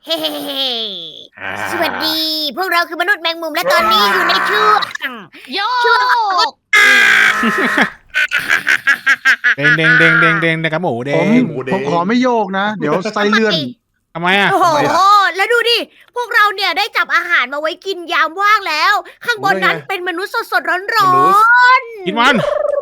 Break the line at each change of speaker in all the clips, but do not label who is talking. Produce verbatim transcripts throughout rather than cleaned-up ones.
เฮ้สวัสดี พวกเราคือมนุษย์แมงมุมและตอนนี้อยู่ในช่วง
โย
ช่วง
เด้งเด้งเด้งเด้งเด้งเด้งกับหมูเด้
ผม
ง
ผมขอไม่โยกนะ เดี๋ยวไส้เลื่อน
ทำไมอ่ะ
โอ้โห แล้วดูดิ พวกเราเนี่ยได้จับอาหารมาไว้กินยามว่างแล้ว ข้างบนนั้นเป็นมนุษย์สดๆร้อน
กินมัน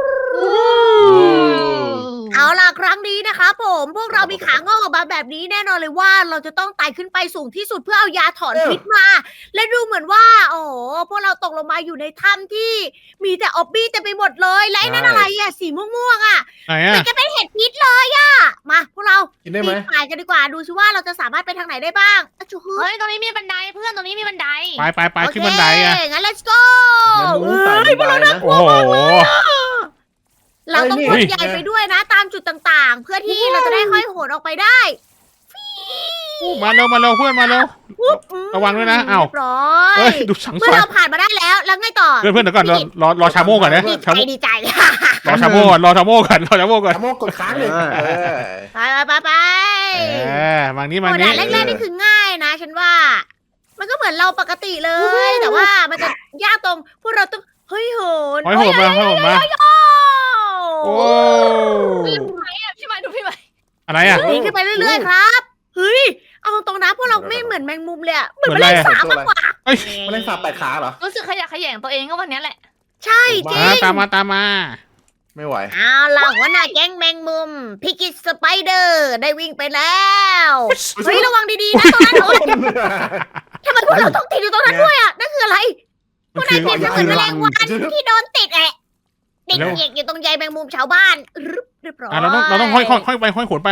ๆ เอาล่ะครั้งนี้นะคะผม พวกเรามีขางอกออกมาแบบนี้แน่นอนเลยว่าเราจะต้องไต่ขึ้นไปสูงที่สุดเพื่อเอายาถอนพิษมา และดูเหมือนว่า โอ้โห พวกเราตกลงมาอยู่ในถ้ำที่มีแต่ออบบี้เต็มไปหมดเลย และไอ้นั่นอะไรอะสีม่วงๆอะ
ไหน
เหมื
อ่ะ
อนจะเป็นเห็ดพิษเลยอะมาพวกเรา
กินได้ไหม
ปีนป่ายกันดีกว่า ดูซิว่าเราจะสามารถไปทางไหนได้บ้างอะจูฮึ
เฮ้ยตรงนี้มีบันไดเพื่อนตรงนี้มีบันได
ไปไปไปขึ้นบันไดอ่ะ
โเคงั้น let's go
แมงมุมต่าง
เฮ้ยพวกเรา
บันไดนะ
โอ้โห
เราต้อง
เฮ้
พ่น
ย
ใหญ่ไปด้วยนะ ตามจุดต่างๆ เพื่อที่เราจะได้ห้อยโหนออกไปได้
มาเร็วมาเร็วเพื่อนมาเร็ว ระวังด้วยนะอ้าว
เรียบร้อ
เฮ้
ย
ยดูสัง
เมื่
ส
อ
รร
เรา
ค์
ผ่านมาได้แล้ว แล้วไงต่อ
เพื่อนเพื่อนเดี๋ยวก่อนรอรอรอชาโม่ก่อนนะ
ดี
ชา
ใจ
โม่
ดีใจ
รอชาโม่ก่อนรอชาโม่ก่อนรอชาโม่ก่อน
ชะโมกกดค้างเลย
เออ
เออ
ไปไปไป
เออมางนี้
โอ้
มาง
ด่า
นี้
นแรกๆนี่คือง่ายนะ ฉันว่า มันก็เหมือนเราปกติเลย แต่ว่ามันจะยากตรงพวกเราต้องเฮ้ยโหน
ห้อยโหดมาห้อยโหดมาโอ้
พี่ไหมอ่ะพี่ไหมดูพี่ไหม
อะไรอ่ะ
หนีขึ้นไปเรื่อยๆครับ เฮ้ย เอาตรงๆนะพวกเราไม่เหมือนแมงมุมเลยอะเหมือน
เหมื
แม
อน
ล
อะไร
ง
อะ
สาบมากกว่า
เอ้ย
แมลงสาบแปดขาเหรอ
รู้สึกขยะแขยงตัวเองก็วันนี้แหละ
ใช่จริ
มาง ตามมาตามมา
ไม่ไหว
เอาล่ะหัวหน้าแก๊งแมงมุมพิกิสสไปเดอร์ได้วิ่งไปแล้วเฮ้ยระวังดีๆนะตรงนั้นโอ๊ยทำไมพวกเราต้องติดอยู่ตรงนั้นด้วยอะนั่นคืออะไรพ
มั
วน ก
คื
นาย
อ
เปรียบเสมือนแมลงวันที่โดนติดแอะติดเหยียกอยู่ตรงใยแมงมุมชาวบ้านรึบเรียบร้อย
อ่ะเราต้องเราต้องห้อยห้อยห้อยไปห้อยโขนไป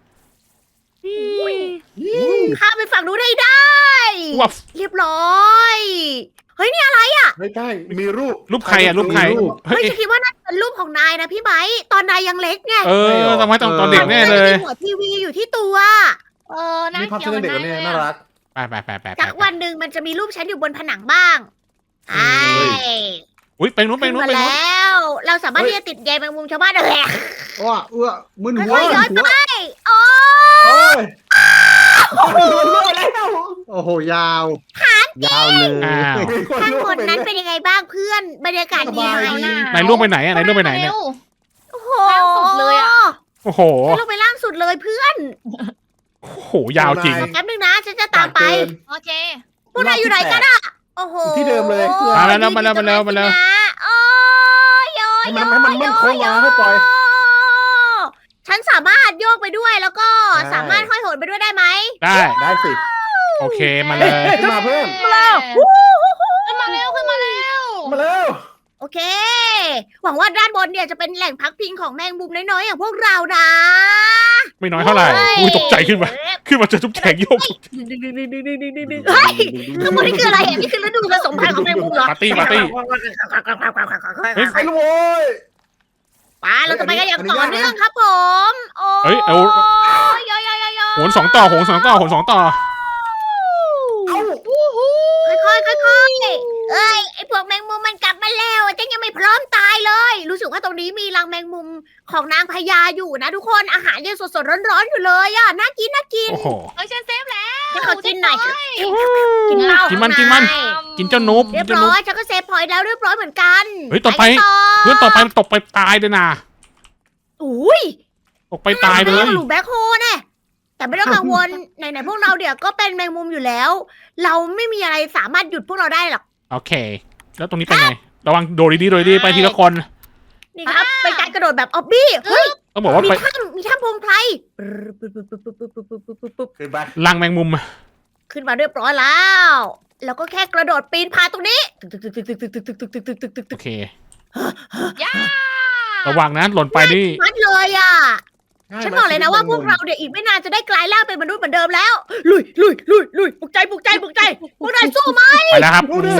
ข้ามไปฝั่งนู้นให้ได้
วับ
เรียบร้อย เฮ้ยนี่อะไร
ไม่ได้มีรูป
รูปใครอ่ะรูปใคร
เฮ้
เฮ้
ย
ย
จะคิดว่าน่าจะเป็นรูปของนายนะพี่ไบร์ทตอนนายยังเล็กไง
เออทำไมตอนตอนเด็กแน่เลย
มีหัวทีวีอยู่ที่ตัว
เออน่า
นี่ภาพ
เกลีย
เส้
วน
เด็ก
เหมือน
เนี่ย
นาย
น่า
เลย
รัก
ไปไปไปไป
จากวันหนึ่งมันจะมีรูปฉันอยู่บนผนังบ้างใช่
อุ้ยไปนู้นไป
ขึ้น
นู้น
มา
ไปนู้น
แล้ว เราสามารถที่จะติดใยแมงมุมชาวบ้านได้เลย
อ้อเอื้อมึนหัว
ค่อยๆย้อน
หัว
ไปโอ้
โอ้ยโอ้ยมันรั่วแล้ว
โอ้โห ยาว ยาวเลย
อ้าว
มีคน
ข้าง
รั่
บ
วน ไป
นั้น
เลย
เป็นยังไงบ้างเพื่อน บรรยากาศดีไหม
เอาหน้า
ไหนล่วงไปไหนอ่ะไหนล่วงไปไหนเนี่ย
ร็ว
โอ้โห
ล่างสุดเลยอะ
โอ้โห
ฉันลงไปล่างสุดเลยเพื่อน
โอ้โหยาวจริง
แป๊บนึงนะฉันจะตามไป
โอเค
พวกนายอยู่ไหนกันอะโอ้โห
ที่เดิมเลย
มาแล้วมาแล้วมาแล้วมาแล้ว
โอ้ยโย
ให้
โย
มันให้มันมั่นคง
โย
มาให้ปล่อย
ฉันสามารถโยกไปด้วยแล้วก็
ได้
สามารถห้อยโหนไปด้วยได้ไหม
ได้
ได้สิ
โอเคมาเลย
ขึ้นมาเพื่อน
มาแล้วขึ้นมาเร็วขึ้นมาเร็ว
มาเร็ว
โอเค หวังว่าด้านบนเนี่ยจะเป็นแหล่งพักพิงของแมงมุมน้อยๆอย่างพวกเรานะ
ไม่น้อยเท่าไหร่อุ้ยตกใจขึ้นมาขึ้นมาเจอทุกแขกโยก
เฮ้ยข้างบนนี่คืออะไรอ่ะนี่คือฤดูผสมพันธุ์ของแมงมุมเหรอ
ปาร์ตี้ปาร์ตี้ เฮ้ย
ไปลูกโว้ย
ไปเราจะไปกันอย่างต่อเนื่องครับผม โอ้
เฮ้ยเอา
ยยยย
โหนสองต่อโหนสองต่อโหนสองต่อ
ค่อยๆค่อยๆเอ้ยไอพวกแมงมุมมันกลับมาแล้วฉันยังไม่พร้อมตายเลย รู้สึกว่าตรงนี้มีรังแมงมุมของนางพญาอยู่นะทุกคนอาหารยังสดๆร้อนๆอยู่เลยอ่ะน่ากินน่ากิน
โอ้โห
เฮ้ยฉันเซฟแล้ว
ให้เขากินหน่อยกินเหล้า
กินมัน
ข้าง
กินมัน
ใ
กินเจ้านุ๊บ
เรียบ
เจ้า
ร้
นุ๊บ
อยฉันก็เซฟพอยต์แล้วเรียบร้อยเหมือนกัน
เฮ้ยต่อไป
กัน
เพื่อนต่อไปตกไปตายเลยนะ
อุ้ย
ตกไปตายเลย
หลุมแบ็คโฮแน่แต่ไม่ต้องกังวล ไหนๆพวกเราเดี๋ยวก็เป็นแมงมุมอยู่แล้ว เราไม่มีอะไรสามารถหยุดพวกเราได้หรอก
โอเค แล้วตรงนี้เป็นไงระวังโดดดีๆโดดดีๆไปทีละคน
นี่ครับเป็นการกระโดดแบบออบบี้เฮ้ย
ต้องบอกว่า
มี
ไป
ถ้ำมีถ้ำพงไพร
ขึ้นไป
รังแมงมุม
ขึ้นมาเรียบร้อยแล้ว แล้วก็แค่กระโดดปีนผาตรงนี้
โอเค
ย่า
ระวังนะหล่นไปนี่
มัดเลยอ่ะ
ง่าย
ฉัน
ไหม
บอกเลยนะว่าพวกเราเนี่ยอีกไม่นานจะได้กลายร่างเป็นมนุษย์เหมือนเดิมแล้ว ลุยลุยลุยลุยปลุกใจปลุกใจปลุกใจพวกนายสู้ไหม
ไปแล้วครับโอ้โห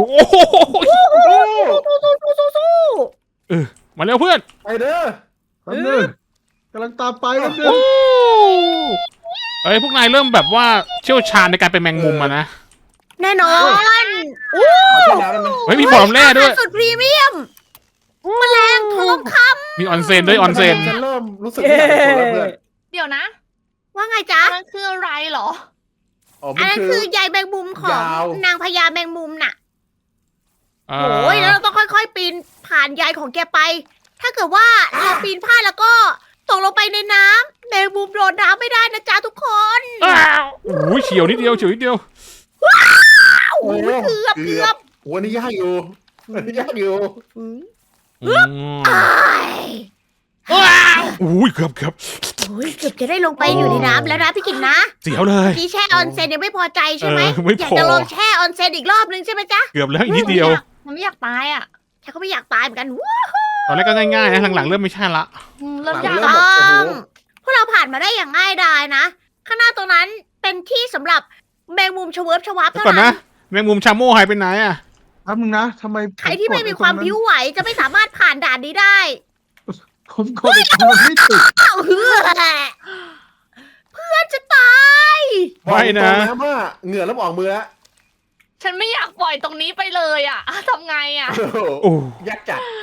สู้สู้สู้สู้สู้
มาเร็วเพื่อน
ไปเด้อ
แป๊บนึงกำลังตามไปแป๊บนึง
โอ้เอ้ยพวกนายเริ่มแบบว่าเชี่ยวชาญในการเป็นแมงมุมอะนะ
แน่นอน
ขอแค่น้ำได้ไหม
เฮ้ยมีบ่อน้ำแร่ด้วย
สุดพรีเมียมแมลงทองค
มีออนเซ็นด้วยออนเซ็น
ฉันเริ่มรู้สึกไม่อยากเป็นคนแล้วเพื่อน
เดี๋ยวนะ
ำว่าไงจ๊ะ
มันคืออะไรเหรอ
อ๋อ
อั
มัน น
นั้น
คื
คือ อใยแมงมุมของ
ยาว
นางพญาแมงมุมน่ะ
เอ่
โอ้ยแล้วเราต้องค่อยๆ ปีนผ่านใยของแกไป ถ้าเกิดว่าเราปีนพลาดแล้วก็ตกลงไปในน้ำแมงมุมโดนน้ำไม่ได้นะจ๊ะทุกคน
อ้าวโอ้ยเฉียวนิดเดียวเฉียวนิดเดียว
โอ้ยเกือบเกือบ
โอ้อันนี้ยากอยู่อันนี้ยากอยู่
อืม
อ้าย
ว้าวโอ้ยเกือบเกือบ
โอ้ยเกือบจะได้ลงไปอยู่ในน้ำแล้วนะพี่กินนะ
เสียวเลย
ที่แช่ออนเซ็นยังไม่พอใจใช่ไหม
เออไม่พอ
อ
อ
ยากจะลองแช่ออนเซ็นอีกรอบนึงใช่ไหมจ๊ะ
เกือบแล้วอีกนิดเดียว
มันไม่อยากตายอ่ะ
ฉันก็ไม่อยากตายเหมือนกันว้า
ตอนแรกก็ง่ายๆนะหลังๆเริ่มไม่ใช่ละ
อืมเริ่ม
หลั
ยาง ก
เริ่ม
แล้ว
แบบโอ้โห
พวกเราผ่านมาได้อย่างง่ายดายนะ ข้างหน้าตรงนั้นเป็นที่สำหรับแมงมุมชเวิร์ฟชวับ
เดี๋ยว
เท่า
ก่อน
นั้
นะ
น
แมงมุมชาโม่หายไปไหนอ่ะ
แป๊บนึงนะทำไมผ
ใครที่ไม่มีความ
กด
ผิวไหวจะไม่สามารถผ่านด่านนี้ได้
ผมกดไอ้ตรงนั้นไม่ติด
อ้าวเฮือเพื่อนจะตาย
ไม่นะ
บอกตรงว่าเหงื่อเริ่มออกมือแล้ว
ฉันไม่อยากปล่อยตรงนี้ไปเลยอ่ะทำไงอ่ะ
โอ้โห
โอ้
ยากจัด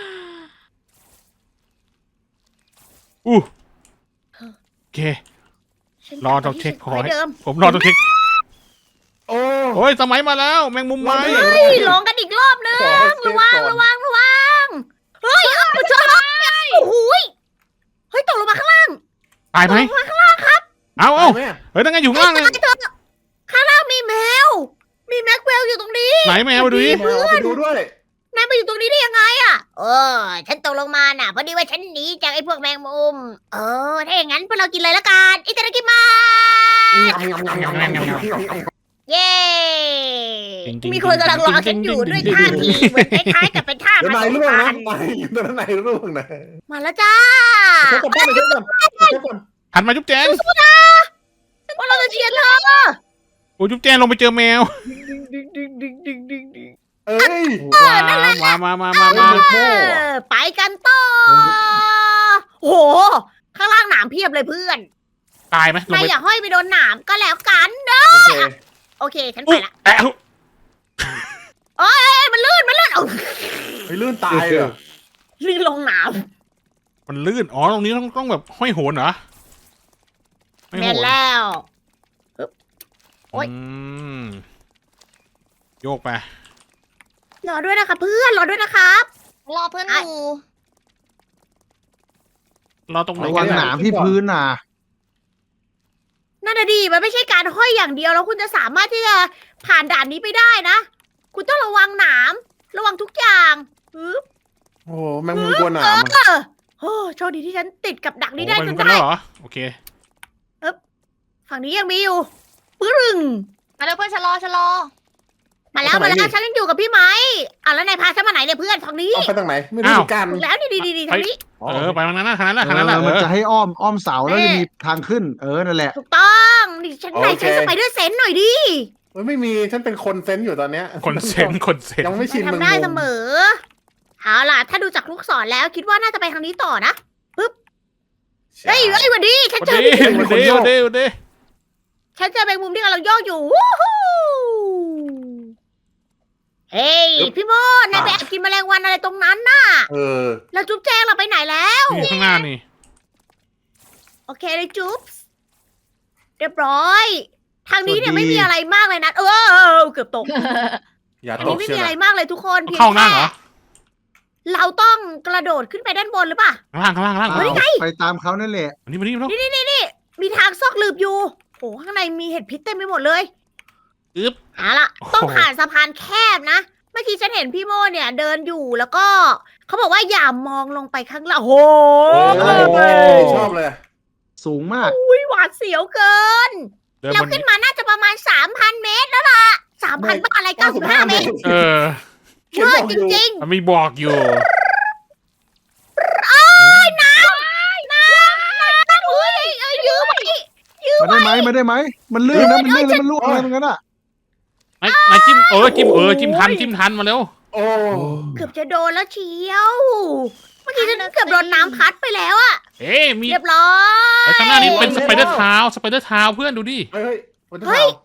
อู้โอเค
ฉัน
รอต้องเช็คขอ
ไว้
ให้
เดิม
ผมรอต้องเช็ค
โอ้
โอ้ยสมัยมาแล้ว แมงมุมไหม
รอด้วย
เฮ้ยลองกันอีกรอบนึง
ขอให้เซฟ
ระวัง
ก่อน
ระวังระวังเฮ้ยเอาเจอโอ้โหยเฮ้ยตกลงมาข้างล่าง
ตายไหม
ตกลงมาข้างล่างครับ
เอาเอา
แม่
เฮ้ยนั่งไงอยู่ข้างล่างเลย
ตายเถอะข้างล่างมีแมว มีแม็กเวลอยู่ตรงนี้
ไหนแมวมาดูดิ
แมวเอาไปดูด้วย
นายมาอยู่ตรงนี้ได้ยังไงอ่ะเออฉันตกลงมาน่ะพอดีว่าฉันหนีจากไอ้พวกแมงมุมเออถ้าอย่างนั้นพวกเรากินเลยละกันอิตาลีมา เย้
จริงๆ
มีคนกำลังรอฉันอยู่ด้วยท่าทีเหมือนคล้ายๆกับเป็นท่า
เดี๋ยว
ผ
นาย
สม
ร่วง
พั
นะ
นธุ์
นายอยู่ตรงนั้นนายร่วงนะ
มาแล้วจ้า
เช็คก่อนป้าไปเช็คก่อนเช็คก่อน
หันมาจุ๊บแจง
ว่าเราจะเชียร์เธอ
โอ้ยจุ๊บแจงลงไปเจอแมว
เอ้ย
มามามามามา
เอ
เออไปกันต่อโอ้โห ข้างล่างหนามเพียบเลยเพื่อน
ตายไหมลง
นาย
ไป
อย่าห้อยไปโดนหนามก็แล้วกันเนอะ
โอเค
โอเค ฉันไป
อุ๊ย
ละ
แอะ
เอ้ยมันลื่น มันลื่นเอา
ไปลื่นตายเหรอ
ลื่นลงหนาม
มันลื่น อ๋อ ตรงนี้ต้องต้องแบบห้อยโหนเหรอไม่
แม่
โห
น
น
แล้ว โอ๊ย
อืมโยกไป
รอด้วยนะคะเพื่อน รอด้วยนะครับ
รอเพื่อนดู
เราตรงไหน
ระ
กั
วัน ง
เนี่ย
หนามที่พื้นน่ะ
นั่นน่ะดีมันไม่ใช่การห้อยอย่างเดียวแล้วคุณจะสามารถที่จะผ่านด่านนี้ไปได้นะ คุณต้องระวังหนามระวังทุกอย่างฮึบ
โอ้โหแมงมุมกลัวหนามอะ
เออโอ้โชคดีที่ฉันติดกับดักนี้ได้
โอ้
จ
มัน
น
เป็น
ได้
แล้วเหรอ โอเค
ฝั่งนี้ยังมีอยู่ปึ้ง
มาแล้วเพื่อนฉันรอฉันรอ
มาแล้วมาแล้วฉันยังอยู่กับพี่ไม้อ่ะแล้วนายพาฉันมาไหนเนี่ยเพื่อนทางนี้
เอาไปทางไหนไม่รู้เหมือนกัน
ถูกแล้วนี่ดีดีดีทางนี้
เออ ไปทางนั้นนะทางนั้นแหละ
เอ
ทางนั้นแหละ
อ
เอ
มัน
อ
จะให้อ้อมอ้อมเสาแล้วจะมีทางขึ้น เออ นั่นแหละ
ถูกต้องนี่ฉันนายใช้สไปเดอร์เซนส์หน่อยดิ
เฮ้ยไม่มีฉันเป็นคนเซนส์อยู่ตอนเนี้ย
คนเซนคนเซน
ยังไม่ชิน
ทำ
แมง
ได้เส
มุม
มอเอาล่ะถ้าดูจากลูกศรแล้วคิดว่าน่าจะไปทางนี้ต่อนะเฮ้ยเฮ้ยหวันดีฉัน
วัน
เจอ
ดีวันดีวันดีวันดี
ฉันเจอแมงมุมที่กำลังโยกอยู่วู้ฮู้เฮ้ยพี่โมดนายไปแอบกินแมลงวันอะไรตรงนั้นน่ะ
เออ
แล้วจุ๊บแจงเราไปไหนแล้ว
นี่ข้างหน้านี่
โอเคเลยจุ๊บเรียบร้อย ทางนี้เนี่ย
สวัสดี
ไม่มีอะไรมากเลยนะเออเกือบตก
อย่า
อัน
ต
นี้
ก
ไม่
เชีย
มี
ว
อะไร
นะ
มากเลยทุกคนเพียง
เข้าหน้า
แค่
เหรอ
เราต้องกระโดดขึ้นไปด้านบนหรือเปล่า
ข้างล่างข้างล่างข้างล่าง
เฮ้ย
เอา
ไปตามเขานั่นแหละ
อันนี้มานี่มานี่
มีทางซอกหลืบอยู่โอ้ข้างในมีเห็ดพิษเต็มไปหมดเลย
อึ๊บ
เอาล่ะ
โอ้โห
ต้องผ่านสะพานแคบนะ เมื่อกี้ฉันเห็นพี่โมเนี่ย เดินอยู่แล้วก็เขาบอกว่าอย่ามองลงไปข้างล่างโอ้โห
โอ้ยชอบเลย
สูงมาก
อุ๊ยหวาดเสียวเกิน
เดิน
เรา
บน
ขึ้นมาน่าจะประมาณสามพันเมตรแล้วล่ะสามพันบ้าอะไรเก้าสิบห้าเมตร
เออ
เขียน
เว
บ
อ
อก
ร์จ
อยู่
ริง
มันมีบอกอยู่
ๆน้ำน้ำน้ำเอ้ยเอ้ยยื้อไว้ยื้อ
มา
ไว้
ได้ไหมมาได้ไหม มันลื่นนะ มันลื่นแล้วมันล่วงอะไรเหมือนกันอ่ะ
นายนายจิ้มเออจิ้มเออจิ้มทันจิ้มทันมาเร็ว
โอ้
เกือบจะโดนแล้วเชียว เมื่อกี้ฉันเกือบโดนน้ำพัดไปแล้วอะ
เอ๊ะมี
เรียบร้อย
ไอ้ข้างหน้านี้เป็นสไปเดอร์เท้าสไปเดอร์เท้าเพื่อนดูดิ
เฮ้ยวัน
เฮ้
เท้าย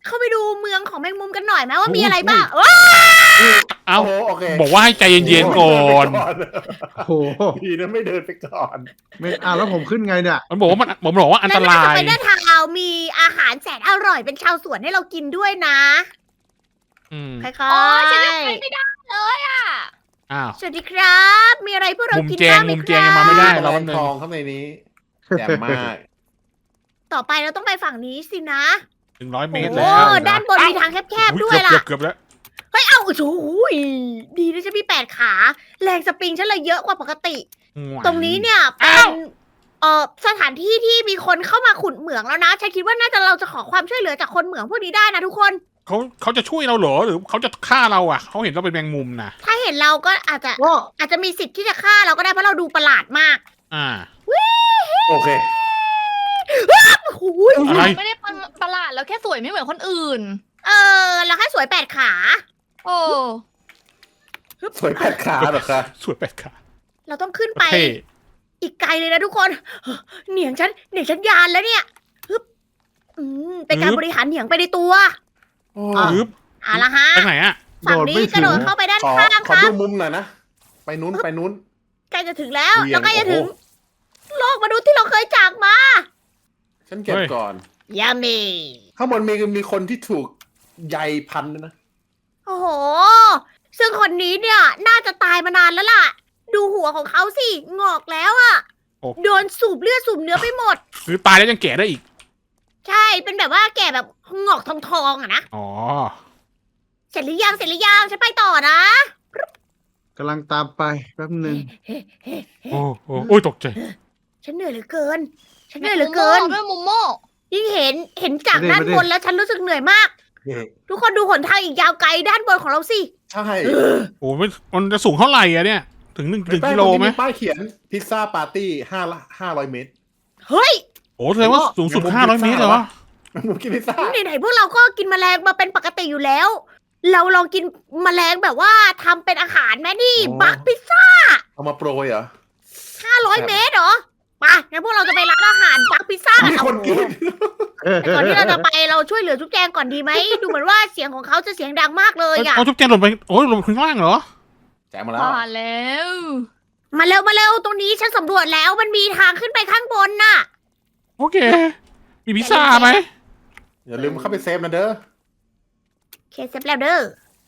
เข้าไปดูเมืองของแมงมุมกันหน่อยไหมว่ามีอะไรบ้างว้า
เอ้า
โโหโอเค
บอกว่าให้ใจเย็นๆก่อน
โอ้โห
ดีนะไม่เดินไปก่อน
ไม่อ่ะแล้วผมขึ้นไงเนี่ย
มันบอกว่ามันผมบอกว่าอันต
และ
ราย
สไปเดอร์ทาวน์มีอาหารแสนอร่อยเป็นชาวสวนให้เรากินด้วยนะ
อืม
ค่อย
อ๋อฉันยัง
ๆ
ไปไม่ได้เลยอ่ะ
อ้าว
สวัสดีครับ มีอะไรพวกเรา
มุม
กิน
แจง
บ้างไหม
มุม
ค
แจง
รั
ยังมาไม่ได้
บ
เรา
แม
แป๊บ
ง
นึ
ท
ง
องข้างในนี้แจ่มมาก
ต่อไปเราต้องไปฝั่งนี้สินะ
หนึ่งร้อยเมตร
โอ้
แล้ว
ด้านบนมีทางแคบๆด้วย
เกื
ล่ะ
อบเกือบเกือบแล้ว
เฮ้ย เอาโอ้โหดีนะฉันมีแปดขา แรงสปริงฉันเลยเยอะกว่าปกติ ตรงนี้เนี่ยเป็
อ้าน ว
เอ่อสถานที่ที่มีคนเข้ามาขุดเหมืองแล้วนะ ฉันคิดว่าน่าจะเราจะขอความช่วยเหลือจากคนเหมืองพวกนี้ได้นะทุกคน
เขาเขาจะช่วยเราเหรอหรือเขาจะฆ่าเราอ่ะเขาเห็นเราเป็นแมงมุมนะ
ถ้าเห็นเราก็อาจจะ
ก็
อาจจะมีสิทธิ์ที่จะฆ่าเราก็ได้เพราะเราดูประหลาดมาก
อ่า
โอเค
โอ้โห
อะไร
ไม่ได้ประหลาดแล้วแค่สวยไม่เหมือนคนอื่น
เออเราแค่สวยแปดขา
โอ้
สวยแปดขาเหรอคะ
สวยแปดขา
เราต้องขึ้นไป
เท่
อีกไกลเลยนะทุกคน เหนียงฉันเหนียงฉันยานแล้วเนี่ยฮึบอืมเป็นการบริหารเหนียงไปในตัว
โอ้
ฮึบ
เอาละฮะ
ไปไหนอ่ะ
ฝั่งนี้กระโดดเข้าไปด้าน
ขอ
ข้าง
ข
ค
อ
รั
ดู
บ
มุมหน่อยนะ ไปนู้นไปนู้น
ใกล้จะถึงแล้ว
เวียง
แล้วใกล้จะถึง
โอ้
โลกมนุษย์ที่เราเคยจากมา
ฉันเก็บ
เฮ้ย
ก่อน
ยามี
ข้างบนมีมีคนที่ถูกใยพันด้วยนะ
โอ้โห ซึ่งคนนี้เนี่ยน่าจะตายมานานแล้วล่ะ ดูหัวของเขาสิงอกแล้วอะ
โอ้
โดนสูบเลือดสูบเนื้อไปหมด
หรือตายแล้วยังแก่ได้อีก
ใช่เป็นแบบว่าแก่แบบงอกทองทองๆอะนะ
อ๋อ
เสร็จหรือยังเสร็จหรือยังฉันไปต่อนะ
กำลังตามไปแป๊บหนึ่ง
โอ้โหโอ้ยตกใจ
ฉันเหนื่อยเหลือเกิน ฉันเหนื่อยเหลือเกิน
ด้วยมุมโม่
ยิ่งเห็นเห็นจากด้านบนแล้วฉันรู้สึกเหนื่อยมาก ทุกคนดูหนทางอีกยาวไกลด้านบนของเราสิ
ใช่
โอ้ไม่มันจะสูงเท่าไหร่อะเนี่ย ถึงหนึ่งถึงกิโลไหม
ป้ายเขียนพิซซ่าปาร์ตี้ห้าห้าร้อยเมตร
เฮ้ย
โอ้แสดงว่าสูงสุด
อย่างมุม
ห้าร้อย
พิซ
เม
ซ่า
ตรเหรอวะ
หนูกินพิซซ่า
ไหนๆพวกเราก็กินแมลงมาเป็นปกติอยู่แล้ว เราลองกินแมลงแบบว่าทำเป็นอาหารแม่นี่บักพิซซ่า
เอามาโปรยเหรอ
ห้าร้อยเมตรเหรอมางั้นพวกเราจะไปร้านอาหารบักพิซซ่า
มีคนกิน
แต่ก่อนที่เราจะไปเราช่วยเหลือจุ๊บแจงก่อนดีไหม ดูเหมือนว่าเสียงของเขาจะเสียงดังมากเลยอะ
เอาทุบแจงหล่นไปโอ้ยหล่นไปข้างล่างเหรอ
แจกมาแล้ว
มาแล้ว
มาเร็วมาเร็วตรงนี้ฉันสำรวจแล้วมันมีทางขึ้นไปข้างบนน่ะ
โอเค มีพิซซ่าไหม
อย่าลืมเข้าไปเซฟนะเด้อ
เคสเซฟแล้วเด้อ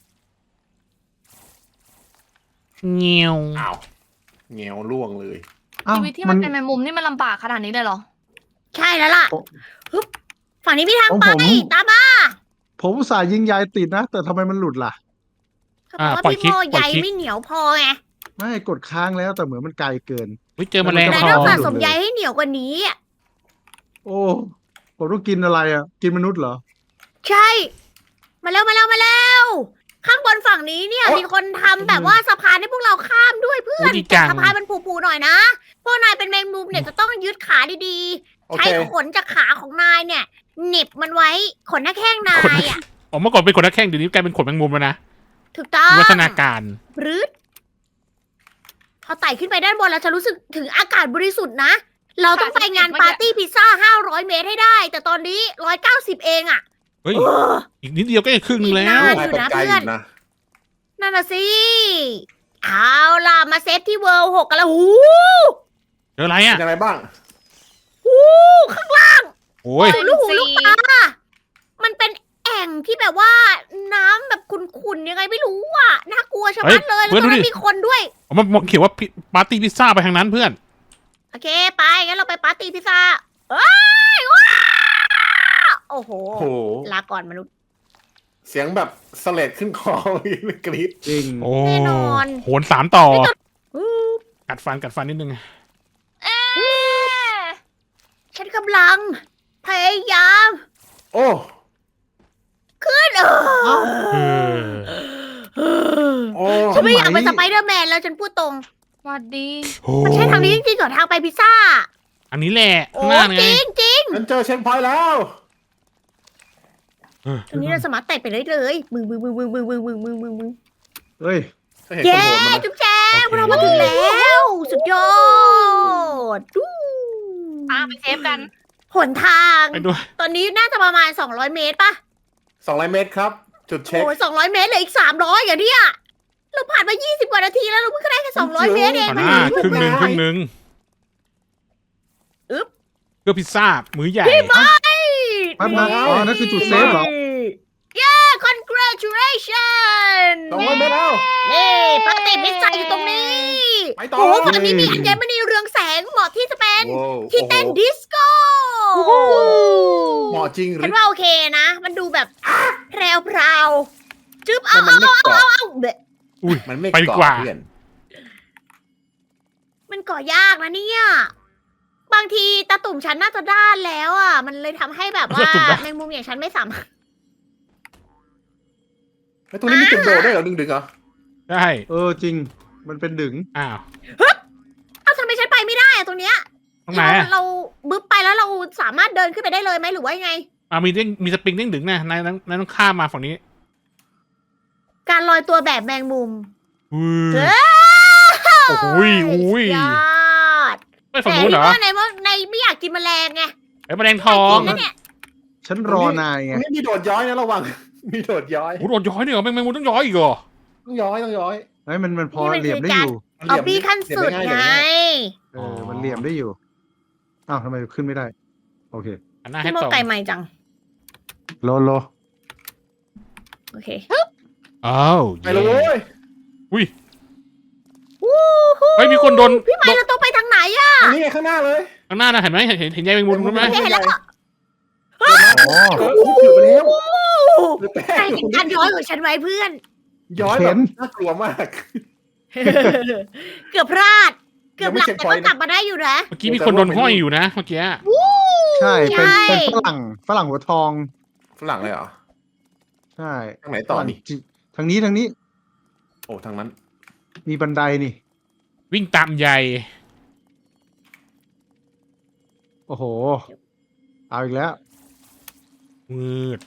เงี้ยว
อ้าวเงี้ยวล่วงเลย
อ้าว
ชีวิตที่
มั
มัน นเป็นแมงมุมนี่มันลำบากขนาดนี้เลยเหรอ
ใช่แล้วล่ะ
โอ้
ฮึบฝั่งนี้มีทาง
ของ
ไป
ผม
ตามมา
ผมอุตส่าห์ยิงยายติดนะ แต่ทำไมมันหลุดล่ะ
เขาบอกว่าพี่โมใยไม่เหนียวพอไง
ไม่กดค้างแล้วแต่เหมือนมันไกลเกิน
เฮ้ยเจอแมลง
นาย
ท
ต้
อ
อง
ง
สะสมใยให้เหนียวกว่านี้อะ
โอ้ผมต้องกินอะไรอ่ะ กินมนุษย์เหรอ
ใช่ มาแล้วมาแล้วมาแล้ว ข้างบนฝั่งนี้เนี่ย
โอ๊ะ
มีคนทำแบบว่าสะพานให้พวกเราข้ามด้วยเพื่อ
โอ้
น
ดีจัง
สะพานมันปูๆหน่อยนะ พวกนายเป็นแมงมุมเนี่ยจะต้องยึดขาดี
โอ
ๆ ใช้
เค
ขนจากขาของนายเนี่ยเหน็บมันไว้ขนหน้าแข้งนายอ่ะ
อ๋อเมื่อก่อนเป็นขนนักแข้งเดี๋ยวนี้กลายเป็นขนแมงมุมแล้วนะ
ถูกต้อง
วิวัฒนาการ
บรืดพอไต่ขึ้นไปด้านบนแล้วจะรู้สึกถึงอากาศบริสุทธิ์นะ เราต้องไปงานปาร์ตี้พิซซ่าห้าร้อยเมตรให้ได้ แต่ตอนนี้หนึ่งร้อยเก้าสิบเองอ่ะ
เฮ้ย
เออ
อีกนิดเดียวก็จะครึ่งหนึงแล้ว
อีก
นาย
อยู่
เป็น
นะ
ไกล
เพื่
อ
อน
ยู่นะ
นั่นน่ะสิ เอาล่ะ มาเซฟที่เวิลด์หกกันแล้วหู
เจออะไร
เป็
อ่ะ
นยังไงบ้าง
หูข้างล่าง
โอ้ย
สุดลูกหูลูกตา มันเป็นแอ่งที่แบบว่าน้ำแบบขุ่นๆยังไงไม่รู้อ่ะ น่ากลัวชะมัดเลย แล้วตรงนั้นมีคนด้วย
ผมมันมันเขียนว่าพิปาร์ตี้พิซซ่าไปทางนั้นเพื่อน
โอเค ไป งั้นเราไปปาร์ตี้พิซซ่าเอ้ยว้าโอ้โห
โอ้โห
ลาก่อนมนุษย์
เสียงแบบสเลดขึ้นคอ กรี๊ด
จริง
โอ้
แน่นอน
โหนสามต่อ
อู้
กัดฟันกัดฟันนิดนึง
เอ๊ะ
ฉันกำลัง พยายาม
โอ้
ขึ้นเออ
เออ
โอ้
ฉันไม่อยากเป็น
ส
ส
มั
ไป
ย
เดอร์แมนแล้วฉันพูดตรง
สวัสดี
โอ้
มันใช่ทางนี้จริงๆเหรอทางไปพิซซ่า
อันนี้แหละ
โอ้
ข้างหน้าไง
จริงจริง
ฉันเจอเช็คพอยต์แล้ว
เออ
ตรงนี้เราสามารถไต่ไปเลยเลยมึงมึงมึงมึงมึงมึงมึงมึงมึงมึง
เฮ้ย
ก็เห็นค
เย้
นโหดมันนะ
จุ๊บแจ๊บเรามาถึงแล้ว สุดยอดดู
ตามไปเซฟกัน
หนทาง
ไปด้วย
ตอนนี้น่าจะประมาณสองร้อยเมตรป่ะ
สองร้อยเมตรครับ จุดเช็ค
โอ้ยสองร้อยเมตรเหลยอีกสามร้อยอย่างเนี้ยเราผ่านมายี่สิบกว่านาทีแล้วเราเพิ่งได้แค่สองร้อยเมตรเอง
เอาหน้าครึ่งหนึ่งครึ่งหนึ่ง
อึ๊บ
เพื่อพิซซ่ามื้อใหญ่
แป๊บนะอ๋อนั่นคือจุดเซฟเหรอ
เย้ congratulation
สองร้อยเมตรแล้ว
นี่ปกติพิซซ่าอยู่ตรงนี้
ไปต่อ
โอ้โหฝั่งนี้มีอัญมณีเรืองแสงเหมาะที่จะเป็น
โอ้
ที่เต้น
โอ้โห
ดิสโก้
เหมาะจริงหรื
ฉัน
อ
ว่าโอเคนะ มันดูแบบแพรวพราวๆจึ๊บเอา
มั
เอา
นไม่
เอา
เกาะ
เอาเอาเบะ
อุ้ย
มันไม่
ไปดีกว่า
เพื่อน
มันก่อยากนะเนี่ย บางทีตาตุ่มฉันน่าจะด้านแล้วอ่ะ มันเลยทำให้แบบว่า
ตาตุ่มด้าน
แมงมุมอย่างฉันไม่สามารถ
แล้วตรงนี้มีจุดโดดด้วยเหรอดึงๆเหรอ
ใช่
เออจริง มันเป็นดึง
อ้าว
เอ้าทำไมฉันไปไม่ได้อะตรงเนี้ย
ตรงไหน
เรา
อะ
เราบึ๊บไปแล้วเราสามารถเดินขึ้นไปได้เลยไหมหรือว่ายังไง
อ่ามีเด้งมีสปริงเด้งดึงนะนายนายต้องข้ามมาฝั่งนี้
การลอยตัวแบบแมงมุม
อุ้
เฮ้
ย โอ้โหยอุ้ย
ยอด
ไปฝั่งนู้นเหรอ
แต่ที่ว่าในว่าในไม่อยากกินแมลงไง
ไอ้แมลงทอง
ไม่กินแล้วเนี่ย
ฉันรอนาย
ต
ไง
รงนี้มีโดดย้อยนะระวัง มีโดดย้อย
โอ้โหโดนย้อยเนี่ยเหรอแมงมุมต้องย้อยอีกเหรอ
ต้องย้อยต้องย้อย
ไอ้ยมันมันพอ
นี่มัน
เหลี่ยมได้
คือ
อ
การ
ยู่
มัน
เอา
เหลี่ยม
บี้ขั้นสุด
เหลี่ยม
ไง
ง่าย
เออ มันเหลี่ยมได้อยู่ อ้าวทำไมขึ้นไม่ได้ โอเค
อันหน้าให้
พี่โม
ตรง
ไก่ใหม่จัง
โลโล
โอเค
อ้าว
ๆไปเลยเว้ย
อุ้ย
วู้ฮู้
เฮ้ยมีคนโดน
พี่ไม้เราต้องไปทางไหนอะ
อันนี้ไงข้างหน้าเลย
ข้างหน้านะเห็นไหมเห็นเห็นเห็นใยแมงมุมรู้ไหม
โอเคเห็นแล้ว
อ๋อ
เออถือไปแล้วหรือแป้
ใค
ง
รเห็นการย้อยของฉันไว้เพื่อน
ย้อยแบบน่ากลัวมาก
เกือบพลาด เกือบหลับ
ยังไม่
แต่
เช็คพอ
ก็
ยต์นะ
กลับมาได้อยู่นะ
เมื่อกี้มีคนโดนห้อยอยู่นะเมื่อกี้
ใช่ เป็น
ใช่
เป็นฝรั่ง ฝรั่งหัวทอง
ฝรั่งเลยเหรอ
ใช่
ทางไหนต่อนี่
ฝรั่งจิทางนี้ทางนี้
โอ้ทางนั้น
มีบันไดนี่
วิ่งตามใย
โอ้โห เอาอีกแล้ว
มืด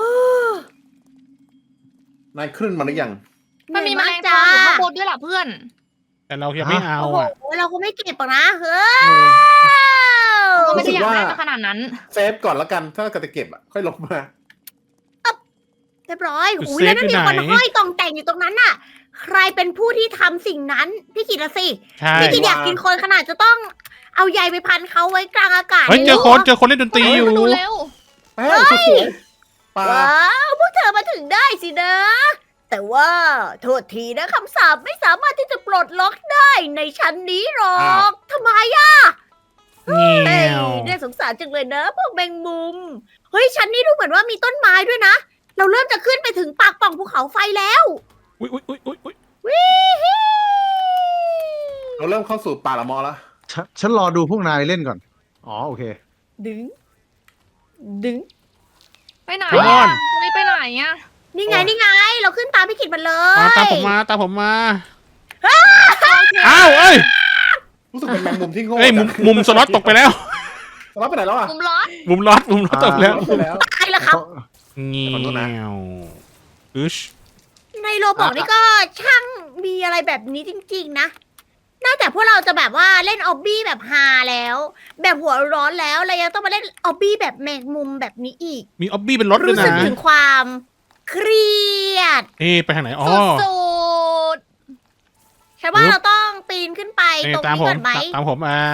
นายขึ้นมาหรือยัง
มันมีแมลง
จ้า
ทองอยู่ข้างบนด้วยล่ะเพื่อน
แต่เรายังไม่เอา
โอ้โห
อ่ะ
เราก็ไม่เก็บหรอกนะเฮ้ย
ก็ไม่
รู้สึ
ได้
ก
อยาก
ว่า
ได้มาขนาดนั้น
เซฟก่อนแล้วกัน ถ้าเกิดจะเก็บอ่ะ ค่อยลงมา
เรียบร้อยอุ้ยแล้วนั่นมีคนห้อยกองแต่งอยู่ตรงนั้นน่ะ ใครเป็นผู้ที่ทำสิ่งนั้น พี่กิตละสิ
ใช่
พี่กิตอยากกินคนขนาดจะต้องเอาใยไปพันเขาไว้กลางอากาศ
เฮ้ยเจอคนเจอคนเล่นดนตรีอยู่
มาดูเร็ว
แป้งสวยๆปลา
ว้าวพวกเธอมาถึงได้สินะ แต่ว่าโทษทีนะคำสาปไม่สามารถที่จะปลดล็อกได้ในชั้นนี้หรอกทำไมอะ
เงี้
เฮ้ย
ยว
น่าสงสารจังเลยนะพวกแมงมุม เฮ้ยชั้นนี้ดูเหมือนว่ามีต้นไม้ด้วยนะ เราเริ่มจะขึ้นไปถึงปากปล่องภูเขาไฟแล้ว
อุ้ยอุ้ยอุ้ยอุ้ยอุ้ย
วิฮิ
เราเริ่มเข้าสู่ป่าละมอแล้ว
ฉนฉันรอดูพวกนายเล่นก่อน อ๋อ โอเค
ดึง ดึง
ไปไหนอ่ะจะได้ไปไหนอ่ะ
นี่ไงนี่ไง เราขึ้นตามพี่ขิดมันเลย
มาตามผมมาตามผมมาอ้าวเอ้ย
รู้สึกเป็นแมงมุมที่โง่
เอ้ยมุมมุมสล็อตตกไปแล้ว
สล็อตไปไหนแล้วอ่ะ
มุมร้อน
มุมล็อตมุมล็อตตกไปแล้ว
สล็อตไปแล้ว
ตายแล้วครับ
เงี้
ขอโทษนะ
ยวอึช
ในโรบอกนี่ก็ช่างมีอะไรแบบนี้จริงๆนะ นอกจากพวกเราจะแบบว่าเล่นออบบี้แบบฮาแล้ว แบบหัวร้อนแล้วเรายังต้องมาเล่นออบบี้แบบแมงมุมแบบนี้อีก
มีออบบี้เป็นรถด้วย
รู้สึก
นะ
ถึงความเครียด
เอ๊ะไปทางไหนอ๋อ
สุด
ฉันว่า
ปึ๊บ
เราต้องปีนขึ้นไป
เอ๊ะ
ตรง
ตาม
นี้
ผม
ก่อนไหม
ตามผมอ่า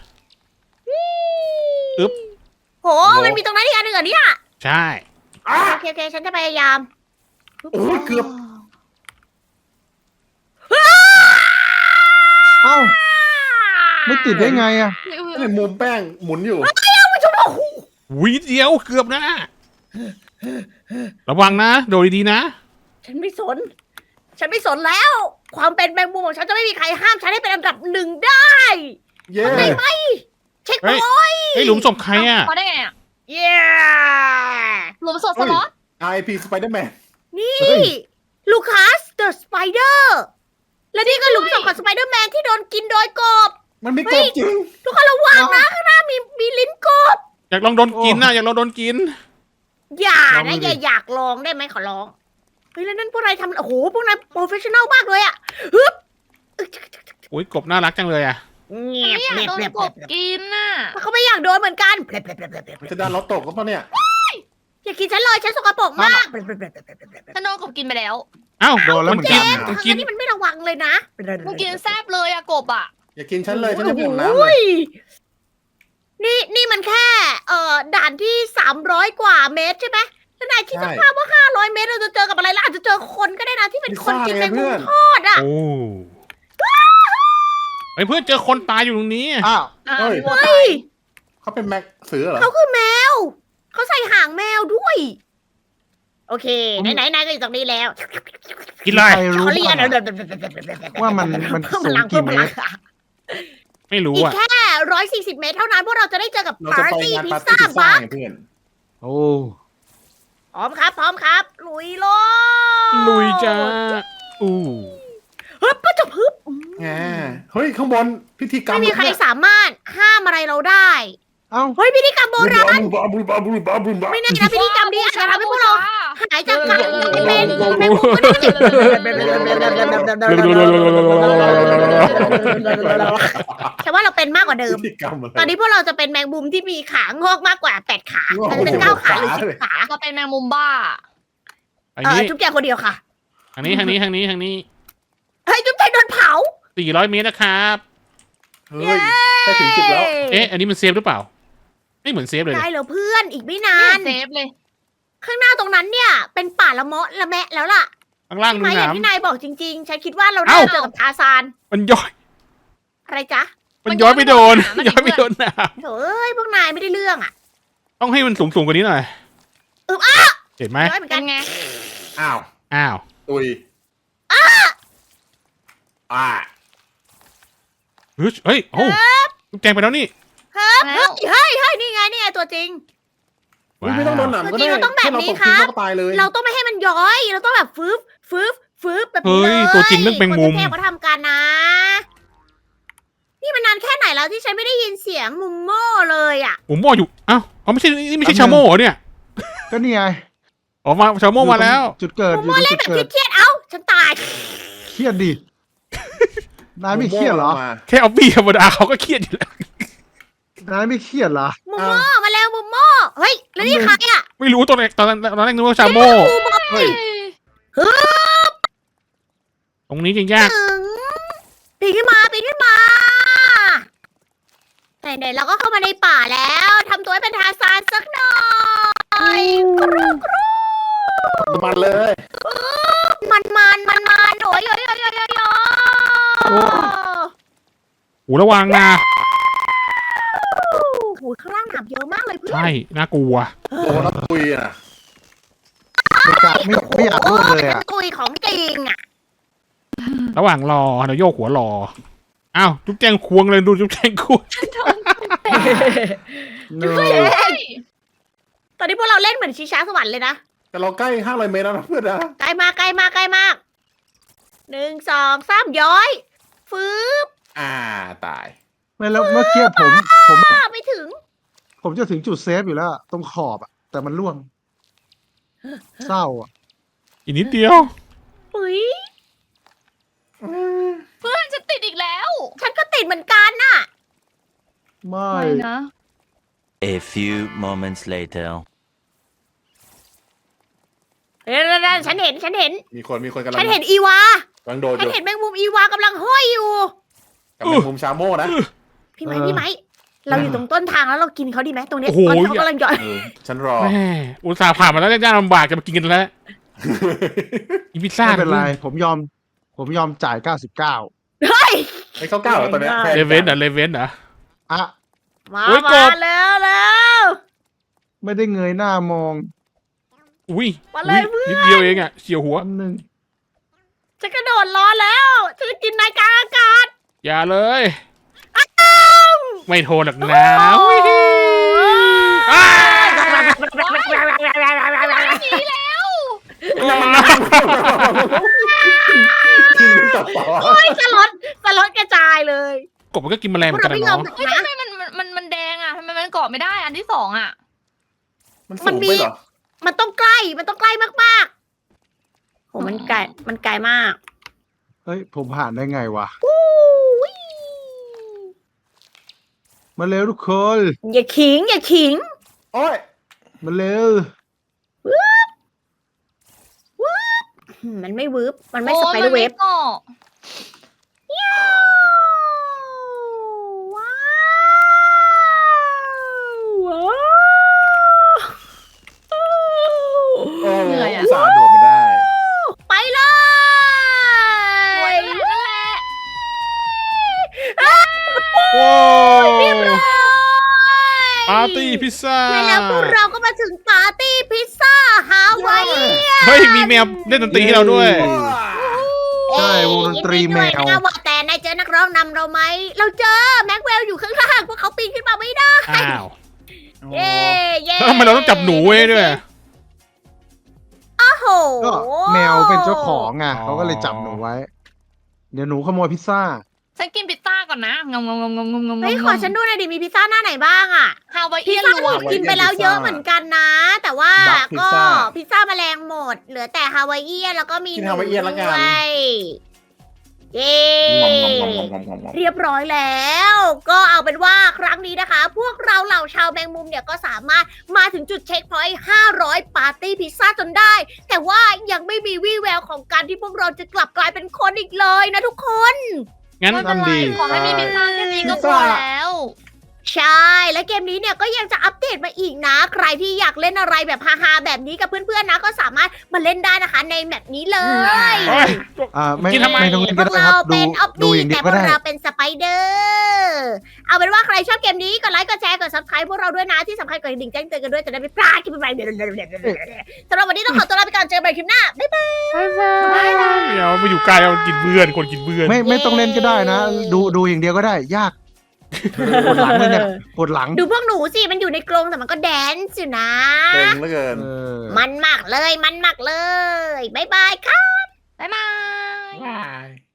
อึ๊บ
โห มันมีตรงนั้นอีกอันหนึ่งเหรอเนี่ย
ใช่
อ่ะ
โอเคโอเคฉันจะพยายาม
โอ้ยเกือบ
เอ้า ไม่ติดได้ไงอะ
ในมุมแป้งหมุนอยู่
วิเดียวเกือบนะ ระวังนะ โดดดีๆนะ
ฉันไม่สน ฉันไม่สนแล้ว ความเป็นแมงมุมของฉันจะไม่มีใครห้ามฉันให้เป็นอันดับหนึ่งได้
เย้
เข้าใจไหมเช็ค
เฮ้ย
พอยต์
เฮ้ยหลุมศพใครอ่ะ
เขาได้ไงอ่ะ
เย้
หลุมศพสล็อต
ไอพีสไปเดอร์แมน
นี่
เฮ้ย
ลูคัสเดอะสไปเดอร์และนี่ก็หลุมศพของสไปเดอร์แมนที่โดนกินโดยกบ
มันมีกบจริง
ทุกคนระวังนะข้างหน้ามีมีลิ้นกบ
อยากลองโดนกินนะอยากลองโดนกิน
อย่า
ลอง
นะ
ดู
อย่า
ดิ
อยากลองได้ไหมขอร้อง เฮ้ยแล้วนั่นพวกนายทำโอ้โหพวกนายโปรเฟชชั่นอลมากเลยอะฮึบ
อุ้ยกบน่ารักจังเลยอ่ะ
เงียบ
ไม่อยาก
เงียบ
โดน
เงียบ
กบกินน่ะ
เขาไม่อยากโดนเหมือนกันเพลบเพลบเพลบเพลบเพลบ
จะดันรถตกก็เพราะเนี่ย
อย่ากินฉันเลยฉันสกปรกมาก
ฉันโดนกบกินไปแล้ว
เอ้า
โดนแล้ว
มั
เหมือน
กิ
กัน น
มัน
ทาง
กิน
นี้มันไม่ระวังเลยนะ
มันกินแซบเลยอะกบอะ
อย่ากินฉันเลยฉันจะบ่นน้ำ
โอ้
เลย
ยนี่นี่มันแค่ เอ่อด่านที่สามร้อยกว่าเมตรใช่ไหมแล้วนายคิดสภาพว่าห้าร้อยเมตรเราจะเจอกับอะไรล่ะอาจจะเจอคนก็ได้นะที่เป็นคนกินแมงมุมทอดอ่ะ
โอ้ไอ้เพื่อนเจอคนตายอยู่ตรงนี้
อ้าว
อ่ะ
เฮ้ย
พี่โบตา
เฮ้
ย
ย
เขาเป็นแม็กเสือเหรอ
เขาคือแมว เขาใส่หางแมวด้วย โอเค ไหนไหนไหนก็อยู่ตรงนี้แล้ว
กินอะไร
ใครรู้
เขาเรียก
บ้าง
นะ
อะ ว่ามันมัน
เพิ่มพ
สูง
ลัง
กี่
เพิ่มพ
เม
ลั
ต
ง
ร
ไม่รู้
อีก
อ่ะ
แค่ร้อยสี่สิบเมตรเท่านั้นพวกเราจะได้เจอกับ
เรา
ปา
จะ
ร์
ไป
ตี้
งาน
พิ
ปา
ซ
ร์ตี้
ซ่า
พิซซ่า
บัก
ไงเพื่อน
โอ้
พร้อมครับ พร้อมครับ ลุยโลด
ลุยจ้าอู้
ฮึบปะจะฮึบ
แหมเฮ้ยข้างบนพิธีกรรม
ไม่มีใคร
เนี่ย
สามารถห้ามอะไรเราได้
เอ้า
เฮ้ยพิธีกรรมโบราณ
บาบูบาบูบาบูบา
ไม่แน่นะพิธีกรรมนี้อาจจะทำให้พวกเราหายจากการเป็นแมงมุมก็ได้ฉันว่าเราเป็นมากกว่าเดิม
พิธีกรรมอะไร
ตอนนี้พวกเราจะเป็นแมงมุมที่มีขางอกมากกว่าแปดขามันจะเป็นเก้าขาหรือสิบขา
เราเป็นแมงมุมบ้า
อัน
เออ
นี้
จุ๊บแจงคนเดียวค่ะ
ทางนี้ทางนี้ทางนี้ทางนี้
เฮ้ยจุ๊บแจงโดนเผา
สี่ร้อยเมตรนะครับ
เฮ้ยใกล้ถึงจุดแล้ว
เอ๊ะ อันนี้มันเซฟหรือเปล่า ไม่เหมือนเซฟเลย
ได้
นะ
เหรอเพื่อนอีกไม่นา
ไม่
น
เซฟเลย
ข้างหน้าตรงนั้นเนี่ย เป็นป่าละเมาะละแมะแล้วล่ะ
ข้างล่าง
ใช่
ดู
ไหมอย่าง
น้ำ
ที่นายบอกจริงๆ ฉันคิดว่าเรา
เอ้า
ได้เจอกับทาซาน
มันย้อย
อะไรจ๊ะ
มันย้อยไปโดน
มัน
ย้อยไปโดนน้
โถ่เอ้ยพวกนายไม่ได้เรื่องอ่ะ
ำต้องให้มันสูงสูงกว่านี้หน่อย
อึ๊บอ่ะ
เห็นไหม
ย้อยเหมือน
เป็
กัน
นไง
อ้าว
อ้าว
ตุยอ่า
เฮ้ยเฮ้ยโอ้ลูกแจงไปแล้วนี่
เฮ้ย
แล้ว
เฮ้ยเฮ้ยนี่ไงนี่ไงตัวจริง
เฮ้ยไม่ต้องโดนหนำก็ได้
จริงๆเราต้องแบบนี้
แค่เราตก
ครับ
เราก็ตายเลย
เราต้องไม่ให้มันย้อย เราต้องแบบฟืบฟืบฟืบแบบนี้
เฮ้
เลย ย
ตัวจริงเรื่องแมงมุม
คนเทพเขาทำกันนะ นี่มันนานแค่ไหนแล้วที่ฉันไม่ได้ยินเสียงมุมโม่เลยอ่ะ
ผมบอกอยู่อ้าวอ๋อไม่ใช่นี่ไม่ใช่ชาโม่เหรอเนี่ย
ก็นี่ไง
ออกมาชาโม่มาแล้ว
จุดเกิด
มุม
อยู่
โม่
ตรง
เล่
จุ
น
ด
แบบ
เกิด
เครียดๆเอ้า ฉันตาย
เครียดดิ นายไม่เครียดเหรอ
มา
แค่เอาบี้ธรรมดาเขาก็เครียดอยู่แล้ว
นายไม่เครียดเหรอ
มุมโม่มาแล้วมุมโม่เฮ้ย แล้วนี่ใครอ่ะ
ไม่รู้ตอนแรกตอนนั้นตอนแรกนึกว่าชาโม่
มุมโม่
เฮ้ย
ตรงนี้จะยาก
ถึงปีนขึ้นมาปีนขึ้นมาไหนๆเราก็เข้ามาในป่าแล้วทำตัวให้เป็นทาซานสักหน่อยกรูกรู
มันเลย
มันมันมันมันโอ้ยโอ้ยโอ้ยโอ้ยโอ้ยโอ้ย
หูระวังนะ
โอ้โหข้างล่างหนามเยอะมากเลยเพื่อน
ใช่น่ากลัว
โดนแล้วตุยอ่ะ
ไม่กล้าไม่ไม่อยากร่วมเลยอ่ะ
ตุยของจริงอ่ะ
ระหว่างรอเดี๋ยวโยกหัวรออ้าวจุ๊บแจงควงเลยดูจุ๊บแจงควง
เน
เฮ้
อะ
ยตอนนี้พวกเราเล่นเหมือนชิช้าสวรรค์เลยนะ
แต่เราใกล้ห้าร้อยเมตรแล้วนะเพื่อนนะ
ใกล้มากใกล้มากใกล้มากหนึ่งสองสามย้อยฟืบ
อ่าตาย
ไม่แล้วเมื่อกี้ผมผม
อ้าไม่ถึง
ผมจะถึงจุดเซฟอยู่แล้วอะตรงขอบอะแต่มันล่วง เศร้าอะ
อีกนิดเดียว
อุ้ย
เพื่อนจะติดอีกแล้ว
ฉันก็ติดเหมือนกันน่ะ
ไม่
ไม่นะ
A few moments later.
เดี๋ยวๆๆฉันเห็นฉันเห็น
มีคนมีคนกำลัง
ฉันเห็นอีวาก
ำลังโดดอ
ฉัน
ยู่
เห็นแมงมุมอีวากำลังห้อยอยู่
กับแมงมุมชาโม่นะ
พี่ไม้พี่ไม้เราอยู่ตรงต้นทางแล้วเรากินเขาดีไหมตรงเนี้ย
โอ้โห
ตอนที่เขากำลังย้อย
เออฉันรอ
แม่อุตส่าห์ผ่านมาแล้วยากลำบากจะมากินกันแล้วอีพิซซ่า
ไม่เป็นไร ผมยอม ผมยอมจ่ายเก้าสิบเก้า
เฮ้ย
ไอ้เข้าเก้าเหรอตอนเนี้ยแพง
เล
จัง
เวนเหรอเลเวนเหรอ
อะ
มา
โอ้ยก
มา
บ
แล้วแล้ว
ไม่ได้เงยหน้ามอง
อุ้ย
มาเล
อุ้
ย
ย
เพื่อน
นิดเดียวเองอ่ะเฉียวหัว
อันหนึ่ง
จะกระโดดล้อแล้วฉันจะกินนายกลางอากาศ
อย่าเลย ไม่โทนหรอกนะอ้าว
หนีแล้ว
กินตับต่อ
โอ้ยสลดสลดกระจายเลย
กบมันก็กินแมลง
พ
เห
ว
มื
ก
อนกั
เรา
น
ไม่
นะ
ยอม
เนาะ
นะ
ทำไมมันมันมันมันแดงอ่ะทำไมมันเกาะไม่ได้อันที่สองอ่ะ
มันสูงไปเหรอ
มันต้องใกล้มันต้องใกล้มากๆโหมันไกลมันไกลมาก
เฮ้ย ผมผ่านได้ไงวะ
อู้ย
มาเร็วทุกคน
อย่าขิงอย่าขิง
โอ้ย
มาเร็ว
อืมมันไม่วืบมันไม่สไปเดอร์เวฟ
โอ้ยมันไม่เกาะ
โอ้
ว้าว
เหนื่อยอะ
อุตส่าห์โดดมาได้
ไปเล
โอ้ย
ย
นั่นแหละ
โอ้
เรียบร้อย
ปาร์ตี้พิซซ่า
และแล้วพวกเราก็มาถึงปาร์ตี้พิซซ่าฮาวายเอียน
เฮ้ย มีแมวเล่นดนตรีให้เราด้วย
ใช่วงดนตรีแมว
ยินดีด้วยนะว่าแต่นายเจอนักร้องนำเราไหม เราเจอแม็กเวลอยู่ข้างล่างพวกเขาปีนขึ้นมาไม่ได้
อ้าว
เย้เย้
แล้วทำไมเราต้องจับหนูไว้ด้วย
โอ้โห
ก็แมวเป็นเจ้าของไง
อ๋อ
เขาก็เลยจับหนูไว้ เดี๋ยวหนูขโมยพิซซ่า
ฉันกินพิซซ่าก่อนนะงงงงงงงงงง
เฮ้ยขอฉันดูหน่อยดิมีพิซซ่าหน้าไหนบ้างอะ
ฮาวาย
พิ
เอี
ซ
ยน
ซ่าร
ว
ถู
ม
กกินไปแล้วเยอะเหมือนกันนะ แต่ว่า
ดักพิซ
ก็
ซ่า
พิซซ่าแมลงหมด เหลือแต่ฮาวายเอียนแล้วก็มี
กินฮาวายเอียนละกัน
ด้วยเย้
งอมงอมงอมงอมงอมงอมงอม
เรียบร้อยแล้ว ก็เอาเป็นว่าครั้งนี้นะคะ พวกเราเหล่าชาวแมงมุมเนี่ยก็สามารถมาถึงจุดเช็คพอยต์ห้าร้อยปาร์ตี้พิซซ่าจนได้ แต่ว่ายังไม่มีวี่แววของการที่พวกเราจะกลับกลายเป็นคนอีกเลยนะทุกคน
งั้น
ไม่เป็นไร
ดี
ขอให้มีพิซซ่าแค่นี้ก็พอแล้ว
ใช่ และเกมนี้เนี่ยก็ยังจะอัปเดตมาอีกนะ ใครที่อยากเล่นอะไรแบบฮาๆแบบนี้กับเพื่อนๆนะ ก็สามารถมาเล่นได้นะคะในแมปนี้เลย
โอ้ย
อ่าไม่
กินทำไม
ไม่ต้องเล่น
พ
ก็
วก
ได้
เรา
ครับ ดู
เป็นออฟ
ดู
บี้
อย่างเดี
แต่
ยว
พ
ก็
วก
ได้
เราเป็นสไปเดอร์เอาเป็นว่าใครชอบเกมนี้กดไลค์กดแชร์กดซับสไครต์พวกเราด้วยนะที่สำคัญกดกระดิ่งแจ้งเตือนกันด้วยจะได้ไม่พลาดคลิปใหม่ๆสำหรับวันนี้ต้องขอตัวลาไปก่อนเจอกันใหม่คลิปหน้าบ๊ายบาย
เดี๋ยวมาอยู่ไกลเอากินเบื่อนคนกินเบื่อน
ไม่ไม่ต้องเล่นก็ได้นะ ดูดูอย่างเดียวก็ได้ ยากปวดหลังเลยเนี่ยปวดหลัง
ดูพวกหนูสิมันอยู่ในกรงแต่มันก็แดนซ์อยู่นะ
เก่งเหลือเกิน
เออ
มันมากเลยมันมากเลยบ๊ายบายค่ะ
บ๊ายบาย
ว้าย